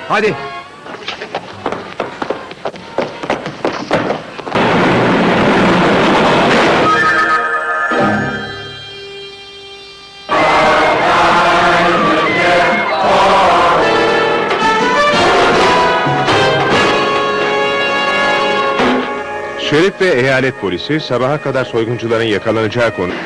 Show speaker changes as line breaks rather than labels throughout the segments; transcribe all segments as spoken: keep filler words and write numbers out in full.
Hadi.
Şerif ve eyalet polisi sabaha kadar soyguncuların yakalanacağı konu...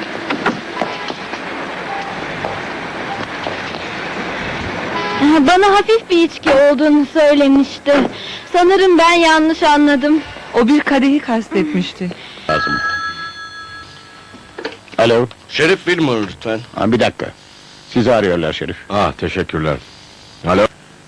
Bana hafif bir içki olduğunu söylemişti. Sanırım ben yanlış anladım.
O bir kadehi kastetmişti.
Lazım. Alo,
Şerif Wilmore lütfen.
ha, bir dakika. Sizi arıyorlar Şerif.
Ah, teşekkürler. Alo?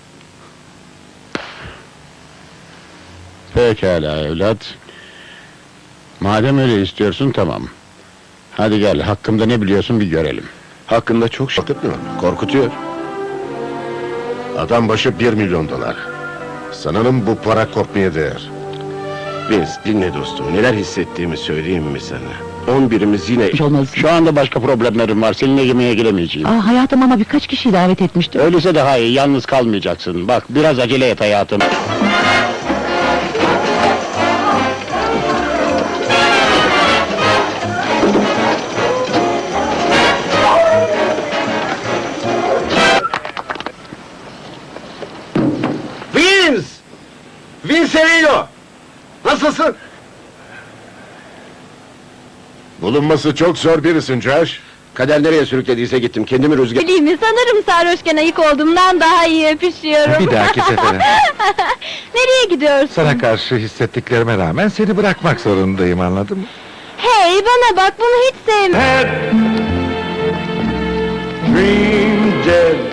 Pekala evlat. Madem öyle istiyorsun, tamam. Hadi gel, hakkımda ne biliyorsun bir görelim.
Hakkında çok şey korkutmuyor, korkutuyor.
Adam başı bir milyon dolar. Sanırım bu para korkmaya değer.
Vince, dinle dostum, neler hissettiğimi söyleyeyim mi sana? On birimiz yine...
Hiç olmaz.
Şu anda başka problemlerim var, seninle yemeğe giremeyeceğim.
Aa, hayatım ama birkaç kişiyi davet etmiştim.
Öyleyse daha iyi, yalnız kalmayacaksın. Bak, biraz acele et hayatım.
Vince! Vince Emilio! Nasılsın?
Bulunması çok zor birisin Josh.
Kader nereye sürüklediyse gittim, kendimi rüzgar...
Bileyim mi, sanırım sarhoşken ayık olduğumdan daha iyi öpüşüyorum.
Bir dahaki sefere.
Nereye gidiyorsun?
Sana karşı hissettiklerime rağmen seni bırakmak zorundayım, anladın mı?
Hey, bana bak, bunu hiç sevmem.
Dream dead